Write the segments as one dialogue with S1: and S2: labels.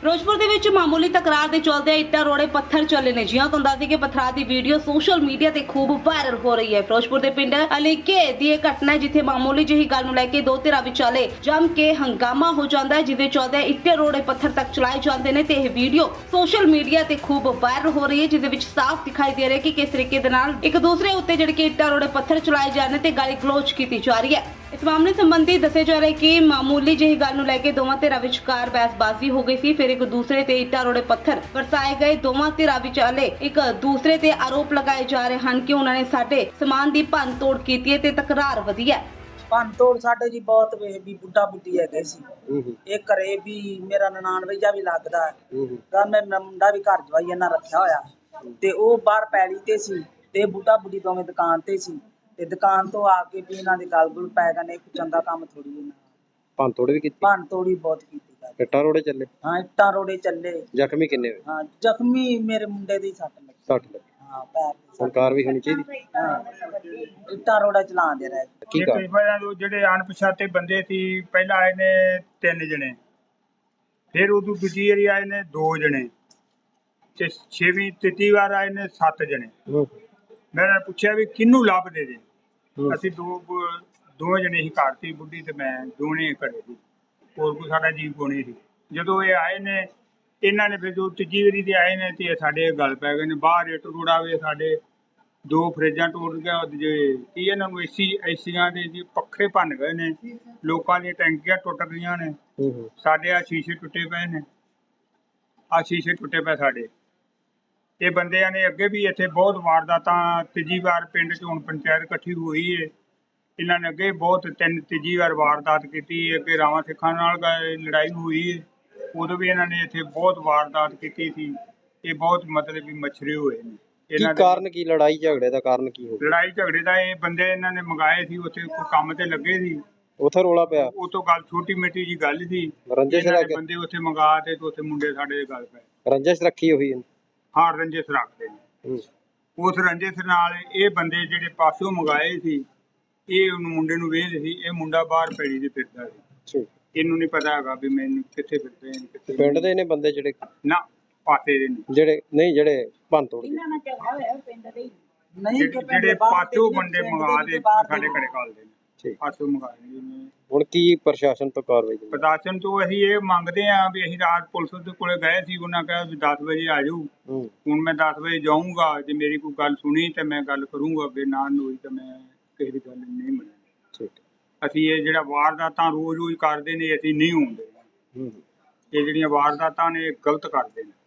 S1: ਫਿਰੋਜ਼ਪੁਰ ਦੇ ਵਿੱਚ ਮਾਮੂਲੀ ਤਕਰਾਰ ਦੇ ਚੱਲਦੇ ਇੱਟਾਂ ਰੋੜੇ ਪੱਥਰ ਚੱਲੇ ਨੇ। ਜਿਹਾਂ ਤੁਹਾਨੂੰ ਦੱਸਦੀ ਕਿ ਪਥਰਾਅ ਦੀ ਵੀਡੀਓ ਸੋਸ਼ਲ ਮੀਡੀਆ ਤੇ ਖੂਬ ਵਾਇਰਲ ਹੋ ਰਹੀ ਹੈ। ਫਿਰੋਜ਼ਪੁਰ ਦੇ ਪਿੰਡ ਅਲੀਕੇ ਦੀ ਇਹ ਘਟਨਾ ਹੈ, ਜਿੱਥੇ ਮਾਮੂਲੀ ਜਿਹੀ ਗੱਲ ਨੂੰ ਲੈ ਕੇ ਦੋ ਧਿਰਾਂ ਵਿਚਾਲੇ ਜੰਮ ਕੇ ਹੰਗਾਮਾ ਹੋ ਜਾਂਦਾ ਹੈ, ਜਿਹਦੇ ਚੱਲਦੇ ਇੱਟਾਂ ਰੋੜੇ ਪੱਥਰ ਤੱਕ ਚਲਾਏ ਜਾਂਦੇ ਨੇ ਤੇ ਇਹ ਵੀਡੀਓ ਸੋਸ਼ਲ ਮੀਡੀਆ ਤੇ ਖੂਬ ਵਾਇਰਲ ਹੋ ਰਹੀ ਹੈ, ਜਿਹਦੇ ਵਿੱਚ ਸਾਫ਼ ਦਿਖਾਈ ਦੇ ਰਿਹਾ ਕਿ ਕਿਸ ਤਰੀਕੇ ਦੇ ਨਾਲ ਇੱਕ ਦੂਸਰੇ ਉੱਤੇ ਜਿਹੜੇ ਕਿ ਇੱਟਾਂ ਰੋੜੇ ਪੱਥਰ ਚਲਾਏ ਜਾ ਰਹੇ ਨੇ ਤੇ ਗਾਲੀ ਗਲੋਚ ਕੀਤੀ ਜਾ ਰਹੀ ਹੈ। ਇਸ ਮਾਮਲੇ ਸੰਬੰਧੀ ਦੱਸਿਆ ਜਾ ਰਿਹਾ ਹੈ ਕਿ ਮਾਮੂਲੀ ਜਿਹੀ ਗੱਲ ਨੂੰ ਲੈ ਕੇ ਦੋਵਾਂ ਧਿਰਾਂ ਵਿਚਕਾਰ ਬਹਿਸਬਾਜ਼ੀ ਹੋ ਗਈ ਸੀ। ਫਿਰ ਇੱਕ ਦੂਸਰੇ ਤੇ ਇੱਟਾਂ ਰੋੜੇ ਪੱਥਰ ਵਰਸਾਏ ਗਏ। ਦੋਵਾਂ ਧਿਰਾਂ ਵਿਚਾਲੇ ਇੱਕ ਦੂਸਰੇ ਤੇ ਆਰੋਪ ਲਗਾਏ ਜਾ ਰਹੇ ਹਨ ਕਿ ਉਹਨਾਂ ਨੇ ਸਾਡੇ ਸਮਾਨ ਦੀ ਭੰਨ ਤੋੜ ਕੀਤੀ ਹੈ ਤੇ ਤਕਰਾਰ ਵਧੀ ਹੈ।
S2: ਭੰਨ ਤੋੜ ਸਾਡੇ ਜੀ ਬਹੁਤ ਵੇ ਵੀ ਬੁੱਢਾ ਬੁੱਢੀ ਹੈਗੇ ਸੀ। ਇਹ ਘਰੇ ਵੀ ਮੇਰਾ ਨਨਾਣ ਵਈਆ ਵੀ ਲੱਗਦਾ ਤਾਂ ਮੈਂ ਮੁੰਡਾ ਵੀ ਘਰ ਜਵਾਈ ਇਹਨਾਂ ਰੱਖਿਆ ਹੋਇਆ ਤੇ ਉਹ ਬਾਹਰ ਪੈਲੀ ਤੇ ਸੀ ਤੇ ਬੁੱਢਾ ਬੁੱਢੀ ਦੋਵੇਂ ਦੁਕਾਨ ਤੇ ਸੀ ਤੇ ਦੁਕਾਨ ਤੋਂ ਆ ਕੇ ਵੀ ਇਹਨਾਂ ਦੇ ਗਲ ਗੁਲ ਪੈ ਗਏ ਨੇ। ਇੱਕ ਚੰਗਾ ਕੰਮ ਥੋੜੀ ਇਹਨਾਂ
S3: ਭੰਨ ਤੋੜ ਵੀ ਕੀਤੀ,
S2: ਭੰਨ ਤੋੜੀ ਬਹੁਤ ਕੀਤੀ।
S3: ਇੱਟਾਂ ਰੋੜੇ ਚੱਲੇ।
S2: ਹਾਂ ਇੱਟਾਂ ਰੋੜੇ ਚੱਲੇ।
S3: ਜ਼ਖਮੀ ਕਿੰਨੇ ਹੋਏ?
S2: ਹਾਂ ਜ਼ਖਮੀ ਮੇਰੇ ਮੁੰਡੇ ਦੀ ਸੱਟ ਲੱਗੀ।
S3: 60 ਲੱਗੇ।
S2: ਹਾਂ ਪੈਰ ਤੇ।
S3: ਸਰਕਾਰ ਵੀ ਹੋਣੀ ਚਾਹੀਦੀ।
S2: ਹਾਂ ਇੱਟਾਂ ਰੋੜਾ ਚਲਾਉਂਦੇ ਰਹੇ।
S3: ਕੀ
S4: ਕਈ ਵਾਰ ਜਿਹੜੇ ਅਣਪਛਾਤੇ ਬੰਦੇ ਸੀ, ਪਹਿਲਾਂ ਆਏ ਨੇ 3 ਜਣੇ, ਫਿਰ ਉਦੋਂ ਦੂਜੀ ਵਾਰੀ ਆਏ ਨੇ 2 ਜਣੇ ਤੇ 6ਵੀਂ ਤੀਜੀ ਵਾਰ ਆਏ ਨੇ 7 ਜਣੇ। ਮੈਂ ਪੁੱਛਿਆ ਵੀ ਕਿਹਨੂੰ ਲੱਭਦੇ ਜੇ? ਅਸੀਂ ਦੋ ਜਣੇ ਹੀ ਘਰ ਸੀ, ਬੁੱਢੀ ਤੇ ਮੈਂ, ਦੋਨੇ ਘਰੇ ਸੀ, ਹੋਰ ਕੋਈ ਸਾਡਾ ਜੀਵ ਕੋਣੀ ਸੀ। ਜਦੋਂ ਇਹ ਆਏ ਨੇ ਇਹਨਾਂ ਨੇ ਫਿਰ ਜੋ ਤੀਜੀ ਵਾਰੀ ਦੇ ਆਏ ਨੇ ਤੇ ਸਾਡੇ ਗੱਲ ਪੈ ਗਏ ਨੇ। ਬਾਹਰ ਇੱਟ ਰੋੜਾਵੇ, ਸਾਡੇ 2 ਫਰਿੱਜਾਂ ਟੁੱਟ ਗਿਆ ਜੇ ਕੀ ਇਹਨਾਂ ਨੂੰ ਏਸੀਆਂ ਦੇ ਜੀ ਪੱਖੇ ਭੰਨ ਗਏ ਨੇ, ਲੋਕਾਂ ਦੀਆਂ ਟੈਂਕੀਆਂ ਟੁੱਟ ਗਈਆਂ ਨੇ, ਸਾਡੇ ਆ ਸ਼ੀਸ਼ੇ ਟੁੱਟੇ ਪਏ ਨੇ, ਆ ਸ਼ੀਸ਼ੇ ਟੁੱਟੇ ਪਏ ਸਾਡੇ। ਇਹ ਬੰਦਿਆਂ ਨੇ ਅੱਗੇ ਵੀ ਇੱਥੇ ਬਹੁਤ ਵਾਰਦਾਤਾਂ, ਤੀਜੀ ਵਾਰ ਪਿੰਡ 'ਚ ਹੁਣ ਪੰਚਾਇਤ ਇਕੱਠੀ ਹੋਈ ਏ, ਇਹਨਾਂ ਨੇ ਅੱਗੇ ਬਹੁਤ ਤੀਜੀ ਵਾਰ ਵਾਰਦਾਤ ਕੀਤੀ। ਅੱਗੇ ਰਾਵਾਂ ਸਿੱਖਾਂ ਨਾਲ ਲੜਾਈ ਹੋਈ ਏ, ਉਦੋਂ ਵੀ ਇਹਨਾਂ ਨੇ ਇੱਥੇ ਬਹੁਤ ਵਾਰਦਾਤ ਕੀਤੀ ਸੀ। ਇਹ ਬਹੁਤ ਮਤਲਬ ਵੀ ਮਛਰੇ ਹੋਏ ਨੇ।
S3: ਕੀ ਕਾਰਨ, ਕੀ ਲੜਾਈ ਝਗੜੇ ਦਾ ਕਾਰਨ ਕੀ ਹੋ ਗਿਆ?
S4: ਲੜਾਈ ਝਗੜੇ ਦਾ ਇਹ ਬੰਦੇ ਇਹਨਾਂ ਨੇ ਮੰਗਾਏ ਸੀ, ਉੱਥੇ ਕੋਈ ਕੰਮ ਤੇ ਲੱਗੇ ਸੀ,
S3: ਉੱਥੇ ਰੋਲਾ ਪਿਆ।
S4: ਉਹ ਤੋਂ ਗੱਲ ਛੋਟੀ ਮਿੱਟੀ ਜੀ ਗੱਲ ਸੀ।
S3: ਰੰਜਿਸ਼
S4: ਇਹਨਾਂ ਨੇ
S3: ਰੱਖ
S4: ਬੰਦੇ ਉੱਥੇ ਮੰਗਾ ਤੇ ਉੱਥੇ ਮੁੰਡੇ ਸਾਡੇ ਦੇ ਗੱਲ ਪਏ।
S3: ਰੰਜਿਸ਼ ਰੱਖੀ ਹੋਈ ਹੈ।
S4: ਹਾਂ ਰੰਜਿਸ਼ ਰੱਖਦੇ ਨੇ। ਉਸ ਰੰਜਿਸ਼ ਨਾਲ ਇਹ ਬੰਦੇ ਜਿਹੜੇ ਪਾਸਿਓਂ ਮੰਗਾਏ ਸੀ, ਇਹ ਉਹਨੂੰ ਮੁੰਡੇ ਨੂੰ ਵੇਚਦੇ ਸੀ। ਇਹ ਮੁੰਡਾ ਬਾਹਰ ਪੈੜੀ ਤੇ ਫਿਰਦਾ ਸੀ, ਇਹਨੂੰ ਨਹੀਂ ਪਤਾ ਹੈਗਾ ਵੀ ਮੈਨੂੰ ਕਿੱਥੇ ਫਿਰਦੇ ਨੇ।
S3: ਪਿੰਡ ਦੇ ਨੇ ਬੰਦੇ ਜਿਹੜੇ
S4: ਨਾ ਪਾਸੇ ਦੇ ਨੇ,
S3: ਜਿਹੜੇ ਭੰਨ ਤੋੜ
S4: ਜਿਹੜੇ ਪਾਸਿਓਂ ਬੰਦੇ ਮੰਗਾ ਦੇ ਸਾਡੇ ਘਰੇ ਕਾਲਦੇ ਨੇ, ਪਾਸਿਓਂ ਮੰਗਾਏ ਨੇ।
S3: ਹੁਣ ਕੀ ਪ੍ਰਸ਼ਾਸਨ ਤੋਂ ਕਾਰਵਾਈ?
S4: ਪ੍ਰਸ਼ਾਸਨ ਤੋਂ ਅਸੀਂ ਇਹ ਮੰਗਦੇ ਆ ਵੀ ਅਸੀਂ ਰਾਤ ਪੁਲਿਸ ਦੇ ਕੋਲੇ ਗਏ ਸੀ, ਉਹਨਾਂ ਕਿਹਾ ਵੀ 10 ਵਜੇ ਆ ਜਾਓ। ਹੁਣ ਮੈਂ 10 ਵਜੇ ਜਾਊਂਗਾ, ਜੇ ਮੇਰੀ ਕੋਈ ਗੱਲ ਸੁਣੀ ਤੇ ਮੈਂ ਗੱਲ ਕਰੂੰਗਾ, ਅੱਗੇ ਨਾ ਹੋਈ ਤਾਂ ਮੈਂ ਕਿਸੇ ਦੀ ਗੱਲ ਨਹੀਂ ਮੰਨਣੀ। ਅਸੀਂ ਇਹ ਜਿਹੜਾ ਵਾਰਦਾਤਾਂ ਰੋਜ਼ ਕਰਦੇ ਨੇ, ਅਸੀਂ ਨਹੀਂ ਹੁੰਦੇ। ਇਹ ਜਿਹੜੀਆਂ ਵਾਰਦਾਤਾਂ ਨੇ ਇਹ ਗਲਤ ਕਰਦੇ ਨੇ,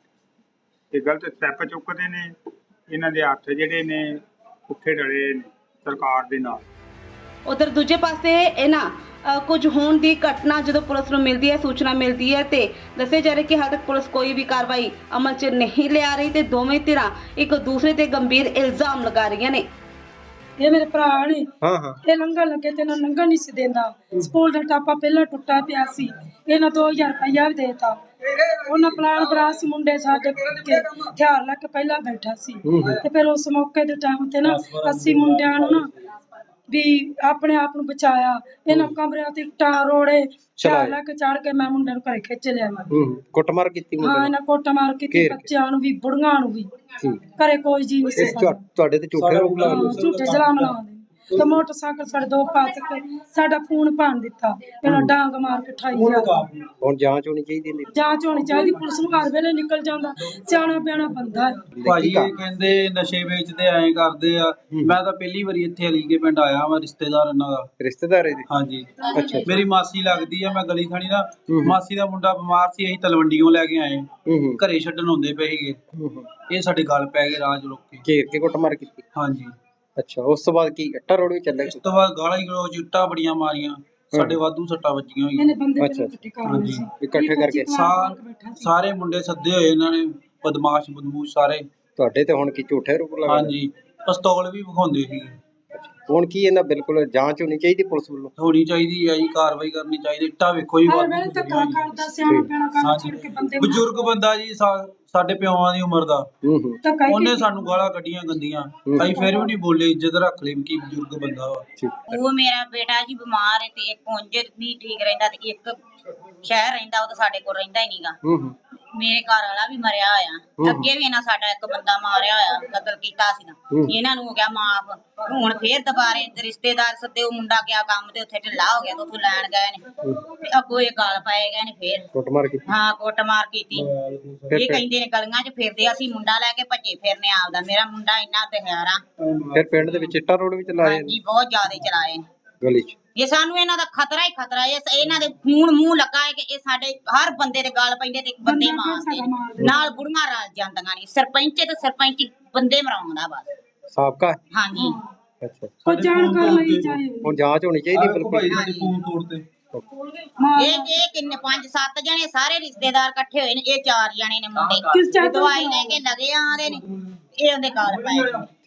S4: ਇਹ ਗਲਤ ਸਟੈਪ ਚੁੱਕਦੇ ਨੇ। ਇਹਨਾਂ ਦੇ ਹੱਥ ਜਿਹੜੇ ਨੇ ਪੁੱਠੇ ਡਲੇ ਨੇ ਸਰਕਾਰ ਦੇ ਨਾਲ।
S1: ਉਧਰ ਦੂਜੇ ਪਾਸੇ ਇਹਨਾਂ ਕੁਝ ਹੋਣ ਦੀ ਘਟਨਾ ਜਦੋਂ ਪੁਲਿਸ ਨੂੰ ਮਿਲਦੀ ਹੈ, ਸੂਚਨਾ ਮਿਲਦੀ ਹੈ ਤੇ ਦੱਸਿਆ ਜਾ ਰਿਹਾ ਕਿ ਹਾਲ ਤੱਕ ਪੁਲਿਸ ਕੋਈ ਵੀ ਕਾਰਵਾਈ ਅਮਲ 'ਚ ਨਹੀਂ ਲਿਆ ਰਹੀ ਤੇ ਦੋਵੇਂ ਧਿਰਾਂ ਇੱਕ ਦੂਸਰੇ ਤੇ ਗੰਭੀਰ ਇਲਜ਼ਾਮ ਲਗਾ ਰਹੀਆਂ ਨੇ।
S5: ਇਹ ਮੇਰੇ ਭਰਾ ਨੇ ਇਹ ਲੰਘਣ ਲੱਗੇ ਤੇ ਇਹਨਾਂ ਲੰਘਣ ਨਹੀਂ ਸੀ ਦਿੰਦਾ। ਸਕੂਲ ਦਾ ਟਾਪਾ ਪਹਿਲਾਂ ਟੁੱਟਾ ਪਿਆ ਸੀ, ਇਹਨਾਂ 2000 ਰੁਪਇਆ ਵੀ ਦੇਤਾ। ਉਹਨਾਂ ਪਲਾਨ ਬਰਾ ਸੀ, ਮੁੰਡੇ ਸਾਡੇ ਹਥਿਆਰ ਲੈ ਕੇ ਪਹਿਲਾਂ ਬੈਠਾ ਸੀ ਤੇ ਫਿਰ ਉਸ ਮੌਕੇ ਦੇ ਟਾਈਮ ਤੇ ਨਾ ਅਸੀਂ ਮੁੰਡਿਆਂ ਨੂੰ ਨਾ ਵੀ ਆਪਣੇ ਆਪ ਨੂੰ ਬਚਾਇਆ। ਇਹਨਾਂ ਕਮਰਿਆਂ ਤੇ ਇੱਟਾਂ ਰੋੜੇ ਹਥਿਆਰ ਲੈ ਕੇ ਚੜ ਕੇ ਮੈਂ ਮੁੰਡੇ ਨੂੰ ਘਰੇ ਖਿੱਚ ਲਿਆ।
S3: ਕੁੱਟਮਾਰ ਕੀਤੀ?
S5: ਹਾਂ ਇਹਨਾਂ ਕੁੱਟਮਾਰ ਕੀਤੀ, ਬੱਚਿਆਂ ਨੂੰ ਵੀ ਬੁੜੀਆਂ ਨੂੰ ਵੀ। ਘਰੇ ਕੋਈ ਜੀ ਨਹੀਂ ਸੀ।
S3: ਤੁਹਾਡੇ ਤੇ ਝੂਠੇ ਰੋਪ ਲਾ ਰਹੇ?
S5: ਝੂਠੇ ਇਲਜ਼ਾਮ ਲਾਉਂਦੇ ਤੇ ਮੋਟਰਸਾਈਕਲ ਸਾਡੇ 2 ਪਾਸ ਕੇ ਸਾਡਾ ਫੋਨ ਭੰਨ ਦਿੱਤਾ। ਇਹਨਾਂ ਡਾਂਗ ਮਾਰ ਕੇ ਠਾਈ ਗਿਆ।
S3: ਹੁਣ ਜਾਂਚ ਹੋਣੀ ਚਾਹੀਦੀ ਹੈ।
S5: ਜਾਂਚ ਹੋਣੀ ਚਾਹੀਦੀ, ਪੁਲਿਸ ਨੂੰ ਹਰ ਵੇਲੇ ਨਿਕਲ ਜਾਂਦਾ। ਸਿਆਣਾ ਪਿਆਣਾ ਬੰਦਾ ਹੈ।
S6: ਭਾਜੀ ਇਹ ਕਹਿੰਦੇ ਨਸ਼ੇ ਵੇਚਦੇ ਐਂ ਕਰਦੇ ਆ। ਮੈਂ ਤਾਂ ਪਹਿਲੀ ਵਾਰੀ ਇੱਥੇ ਅਲੀਗੇ ਪਿੰਡ ਆਇਆ, ਮੈਂ ਰਿਸ਼ਤੇਦਾਰ ਇਹਨਾਂ ਦਾ।
S3: ਰਿਸ਼ਤੇਦਾਰ ਇਹਦੇ?
S6: ਹਾਂਜੀ।
S3: ਅੱਛਾ।
S6: ਮੇਰੀ ਮਾਸੀ ਲੱਗਦੀ ਆ। ਮੈਂ ਗਲੀ ਥਾਣੀ ਨਾ, ਮਾਸੀ ਦਾ ਮੁੰਡਾ ਬਿਮਾਰ ਸੀ, ਅਸੀਂ ਤਲਵੰਡੀਓਂ ਲੈ ਕੇ ਆਏ, ਘਰੇ ਛੱਡਣ ਹੁੰਦੇ ਪਏ ਸੀਗੇ। ਇਹ ਸਾਡੇ ਗੱਲ ਪੈ ਗਏ ਰਾਜ ਲੋਕੀ, ਘੇਰ ਕੇ ਕੁੱਟਮਾਰ ਕੀਤੀ। ਹਾਂਜੀ।
S3: ਅੱਛਾ, ਉਸ ਤੋਂ ਬਾਅਦ ਕੀ ਇੱਟਾਂ ਰੋੜੇ ਚੱਲੇ?
S6: ਉਸ ਤੋਂ ਬਾਅਦ ਗਾਲਾਂ ਗਲੋਚ, ਇੱਟਾਂ ਬੜੀਆਂ ਮਾਰੀਆਂ, ਸਾਡੇ ਵਾਧੂ ਸੱਟਾਂ ਵੱਜੀਆਂ ਹੋਈਆਂ।
S3: ਅੱਛਾ, ਇਕੱਠੇ ਕਰਕੇ
S6: ਸਾਰੇ ਮੁੰਡੇ ਸੱਦੇ ਹੋਏ ਇਹਨਾਂ ਨੇ, ਬਦਮਾਸ਼ ਬਦਮੂਸ਼ ਸਾਰੇ।
S3: ਤੁਹਾਡੇ ਤੇ ਹੁਣ ਕੀ ਝੂਠੇ ਰੋਪ ਲਾ?
S6: ਹਾਂਜੀ, ਪਿਸਤੌਲ ਵੀ ਵਿਖਾਉਂਦੇ ਸੀ।
S3: ਹੁਣ ਕੀ ਇਹਨਾਂ ਬਿਲਕੁਲ ਜਾਂਚ ਹੋਣੀ ਚਾਹੀਦੀ ਪੁਲਿਸ ਵੱਲੋਂ।
S6: ਹੋਣੀ ਚਾਹੀਦੀ ਹੈ ਜੀ, ਕਾਰਵਾਈ ਕਰਨੀ ਚਾਹੀਦੀ। ਇੱਟਾਂ ਵੇਖੋ ਜੀ
S5: ਹਰ
S6: ਵਾਧੂ
S5: ਵੇਲੇ ਧੱਕਾ
S6: ਲੱਗੀਆਂ ਹੋਈਆਂ।
S5: ਕਰਦਾ, ਸਿਆਣਾ ਪੈਣਾ ਕੰਮ ਛੱਡ ਕੇ ਬੰਦੇ ਮਾਰ-
S6: ਬਜ਼ੁਰਗ ਬੰਦਾ ਜੀ ਸਾਡੇ ਪਿਓਾਂ ਦੀ ਉਮਰ ਦਾ,
S5: ਧੱਕਾ ਹੀ
S6: ਉਹਨੇ
S5: ਕੀਤਾ।
S6: ਸਾਨੂੰ ਗਾਲਾਂ ਕੱਢੀਆਂ ਗੰਦੀਆਂ, ਅਸੀਂ ਫਿਰ ਵੀ ਨਹੀਂ ਬੋਲੇ, ਇੱਜ਼ਤ ਰੱਖ ਲਈ ਕੀ ਬਜ਼ੁਰਗ ਬੰਦਾ ਵਾ।
S7: ਉਹ ਮੇਰਾ ਬੇਟਾ ਜੀ ਬਿਮਾਰ ਹੈ ਤੇ ਇੱਕ ਉਂਝ ਨਹੀਂ ਠੀਕ ਰਹਿੰਦਾ ਤੇ ਇੱਕ ਸ਼ਹਿਰ ਰਹਿੰਦਾ, ਉਹ ਤਾਂ ਸਾਡੇ ਕੋਲ ਰਹਿੰਦਾ ਹੀ ਨਹੀਂਗਾ। ਮੇਰੇ ਘਰ ਵਾਲਾ ਵੀ ਮਰਿਆ ਹੋਇਆ, ਅੱਗੇ ਵੀ ਇਹਨਾਂ ਸਾਡਾ ਇੱਕ ਬੰਦਾ ਮਾਰਿਆ ਹੋਇਆ, ਕਤਲ ਕੀਤਾ ਸੀ ਨਾ, ਇਹਨਾਂ ਨੂੰ ਹੋ ਗਿਆ ਮਾਫ। ਹੁਣ ਫੇਰ ਦੁਬਾਰੇ ਰਿਸ਼ਤੇਦਾਰ ਸੱਦੇ, ਉਹ ਮੁੰਡਾ ਗਿਆ ਕੰਮ ਤੇ ਉੱਥੇ ਢਿੱਲਾ ਹੋ ਗਿਆ ਤੇ ਉੱਥੋਂ ਲੈਣ ਗਏ ਨੇ ਤੇ ਅੱਗੋਂ ਇਹ ਗਾਲ ਪਾਏ ਗਏ ਨੇ ਫੇਰ।
S3: ਕੁੱਟਮਾਰ ਕੀਤੀ।
S7: ਹਾਂ ਕੁੱਟਮਾਰ ਕੀਤੀ। ਇਹ ਕਹਿੰਦੇ ਨੇ ਗਲੀਆਂ 'ਚ ਫਿਰਦੇ, ਅਸੀਂ ਮੁੰਡਾ ਲੈ ਕੇ ਭੱਜੇ ਫਿਰਨੇ ਆਪਦਾ। ਮੇਰਾ ਮੁੰਡਾ ਇੰਨਾ ਦਿਹਾੜਾ।
S3: ਫਿਰ ਪਿੰਡ ਦੇ ਵਿੱਚ ਇੱਟਾਂ ਰੋਡ ਵੀ ਚਲਾਏ
S7: ਹਾਂਜੀ ਬਹੁਤ ਜ਼ਿਆਦਾ ਚਲਾਏ ਨੇ
S3: ਗਲੀ 'ਚ।
S7: ਇਹ ਸਾਨੂੰ ਇਹਨਾਂ ਦਾ ਖਤਰਾ ਹੀ ਖਤਰਾ ਹੈ। ਇਹਨਾਂ ਦੇ ਖੂਨ ਮੂੰਹ ਲੱਗਾ ਹੈ ਕਿ ਇਹ ਸਾਡੇ ਹਰ ਬੰਦੇ ਦੇ ਗਾਲ ਪੈਂਦੇ ਤੇ ਬੰਦੇ ਮਾਰਦੇ ਨੇ। ਨਾਲ ਬੁੜੀਆਂ ਰਲ ਜਾਂਦੀਆਂ ਨੇ। ਸਰਪੰਚ ਤੇ ਸਰਪੰਚ ਬੰਦੇ ਮਰਾਉਂਦਾ ਬਸ।
S3: ਸਾਬਕਾ ਹੈ?
S7: ਹਾਂਜੀ
S3: ਅੱਛਾ।
S5: ਉਹ ਜਾਣਕਾਰ ਲਈ ਚਾਹੇ
S3: ਹੁਣ ਜਾਂਚ ਹੋਣੀ ਚਾਹੀਦੀ
S6: ਭਾਈ
S3: ਬਿਲਕੁਲ।
S6: ਸਾਡੇ ਫੋਨ ਤੋੜਤੇ।
S7: ਇਹ ਕਿੰਨੇ 5-7 ਜਣੇ ਸਾਰੇ ਰਿਸ਼ਤੇਦਾਰ ਇਕੱਠੇ ਹੋਏ ਨੇ। ਇਹ 4 ਜਣੇ ਨੇ ਮੁੰਡੇ
S5: ਕਿਸ ਚਾਹ ਤੋਂ
S7: ਦਵਾਈ ਲੈ ਕੇ ਲਗੇ ਆਂਦੇ ਨੇ। ਇਹ ਉਹਦੇ ਗਾਲ ਪਏ ਨੇ।